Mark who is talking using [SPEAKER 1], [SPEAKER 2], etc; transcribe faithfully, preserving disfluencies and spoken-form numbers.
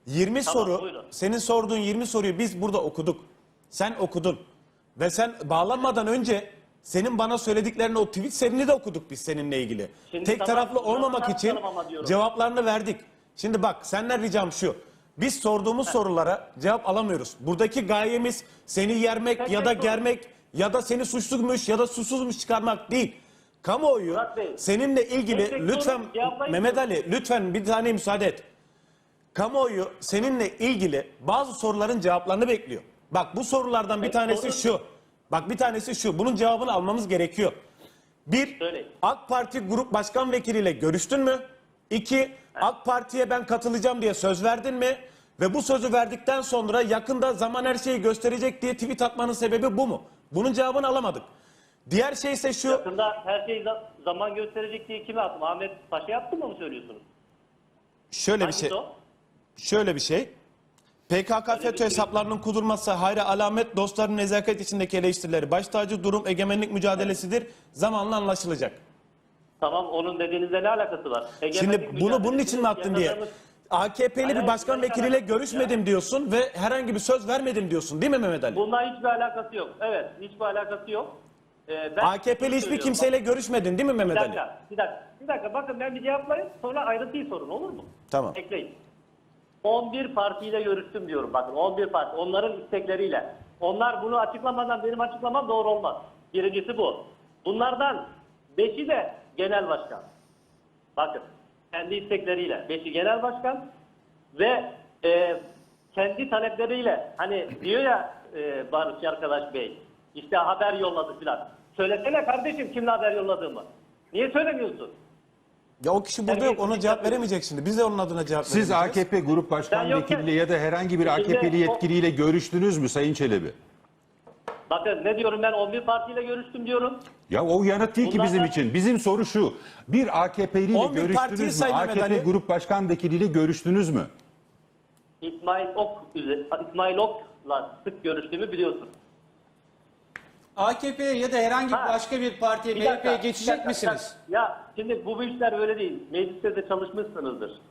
[SPEAKER 1] yirmi
[SPEAKER 2] Tamam,
[SPEAKER 1] soru,
[SPEAKER 2] buyurun.
[SPEAKER 1] senin sorduğun yirmi soruyu biz burada okuduk. Sen okudun. Ve sen bağlanmadan önce senin bana söylediklerini, o tweet serini de okuduk biz seninle ilgili.
[SPEAKER 2] Şimdi
[SPEAKER 1] Tek
[SPEAKER 2] tamam,
[SPEAKER 1] taraflı olmamak
[SPEAKER 2] bunu
[SPEAKER 1] için
[SPEAKER 2] tartışalım ama diyorum.
[SPEAKER 1] cevaplarını verdik. Şimdi bak, senden ricam şu. Biz sorduğumuz sorulara cevap alamıyoruz. Buradaki gayemiz seni yermek
[SPEAKER 2] Tek
[SPEAKER 1] ya
[SPEAKER 2] tek
[SPEAKER 1] da
[SPEAKER 2] sorun.
[SPEAKER 1] germek ya da seni suçluymuş ya da suçsuzmuş çıkarmak değil. Kamuoyu
[SPEAKER 2] Murat Bey,
[SPEAKER 1] seninle ilgili
[SPEAKER 2] tek tek
[SPEAKER 1] lütfen
[SPEAKER 2] sorun, cevaplayın.
[SPEAKER 1] Mehmet Ali lütfen bir tane müsaade et. Kamuoyu seninle ilgili bazı soruların cevaplarını bekliyor. Bak, bu sorulardan bir
[SPEAKER 2] Evet,
[SPEAKER 1] tanesi
[SPEAKER 2] sorun.
[SPEAKER 1] şu. Bak, bir tanesi şu. Bunun cevabını almamız gerekiyor. Bir,
[SPEAKER 2] Söyleyin.
[SPEAKER 1] AK Parti Grup Başkan Vekiliyle görüştün mü? İki, AK Parti'ye ben katılacağım diye söz verdin mi? Ve bu sözü verdikten sonra yakında zaman her şeyi gösterecek diye tweet atmanın sebebi bu mu? Bunun cevabını alamadık. Diğer şey ise şu.
[SPEAKER 2] Yakında her şey za- zaman gösterecek diye kime attım? Ahmet Paşa yaptı mı mı söylüyorsunuz?
[SPEAKER 1] Şöyle bir
[SPEAKER 2] Hangisi
[SPEAKER 1] şey.
[SPEAKER 2] o?
[SPEAKER 1] Şöyle bir şey. P K K
[SPEAKER 2] Öyle bir
[SPEAKER 1] FETÖ
[SPEAKER 2] şey.
[SPEAKER 1] hesaplarının kudurması hayra alamet, dostların nezaket içindeki eleştirileri baş tacı, durum egemenlik mücadelesidir. Zamanla anlaşılacak.
[SPEAKER 2] Tamam, onun dediğinizle ne alakası var? Egemenlik
[SPEAKER 1] Şimdi bunu bunun için mi
[SPEAKER 2] mücadelesi
[SPEAKER 1] attın diye.
[SPEAKER 2] yaşadığımız-
[SPEAKER 1] A K P'li bir
[SPEAKER 2] Hayır,
[SPEAKER 1] başkan
[SPEAKER 2] hayır,
[SPEAKER 1] vekiliyle
[SPEAKER 2] alakası yok
[SPEAKER 1] görüşmedim
[SPEAKER 2] ya.
[SPEAKER 1] diyorsun ve herhangi bir söz vermedim diyorsun, değil mi Mehmet Ali?
[SPEAKER 2] Bununla hiçbir alakası yok. Evet, hiçbir alakası yok. Ee, ben
[SPEAKER 1] A K P'li
[SPEAKER 2] şunu
[SPEAKER 1] hiçbir
[SPEAKER 2] söylüyorum.
[SPEAKER 1] kimseyle görüşmedin, değil mi
[SPEAKER 2] Bir
[SPEAKER 1] Mehmet Ali?
[SPEAKER 2] dakika, bir dakika, bir dakika. Bakın ben bir cevaplayayım, sonra ayrıntıyı sorun, olur mu?
[SPEAKER 1] Tamam.
[SPEAKER 2] Ekleyin. on bir partiyle görüştüm diyorum, bakın on bir parti, onların istekleriyle. Onlar bunu açıklamadan benim açıklamam doğru olmaz. Birincisi bu. Bunlardan beşi de genel başkan. Bakın, kendi istekleriyle. Beşi genel başkan ve e, kendi talepleriyle, hani diyor ya e, Barış arkadaş bey, işte haber yolladı filan. Söylesene kardeşim kimle haber yolladığımı. Niye söylemiyorsun?
[SPEAKER 1] Ya o kişi burada yok, ona cevap veremeyecek şimdi. Biz de onun adına cevap
[SPEAKER 3] Siz
[SPEAKER 1] veremeyeceğiz.
[SPEAKER 3] A K P Grup Başkan
[SPEAKER 2] Ben yokken-
[SPEAKER 3] Vekiliyle ya da herhangi bir
[SPEAKER 2] Şimdi
[SPEAKER 3] A K P'li
[SPEAKER 2] o-
[SPEAKER 3] yetkiliyle görüştünüz mü Sayın Çelebi?
[SPEAKER 2] Bakın ne diyorum, ben on bir partiyle görüştüm diyorum.
[SPEAKER 3] Ya o yanıt değil ki
[SPEAKER 2] Bunlardan-
[SPEAKER 3] bizim için. Bizim soru şu. Bir A K P'liyle
[SPEAKER 1] on bir partiyi
[SPEAKER 3] görüştünüz mü?
[SPEAKER 1] say Mehmet
[SPEAKER 3] A K P
[SPEAKER 1] Ali.
[SPEAKER 3] Grup Başkan Vekiliyle görüştünüz mü?
[SPEAKER 2] İsmail Ok İsmail Ok'la sık görüştüğümü biliyorsun.
[SPEAKER 4] A K P'ye ya da herhangi
[SPEAKER 2] Ha.
[SPEAKER 4] başka bir partiye,
[SPEAKER 2] Bir
[SPEAKER 4] M H P'ye
[SPEAKER 2] dakika, bir
[SPEAKER 4] geçecek
[SPEAKER 2] dakika,
[SPEAKER 4] misiniz?
[SPEAKER 2] bir dakika. Ya şimdi bu işler böyle değil. Mecliste de çalışmışsınızdır.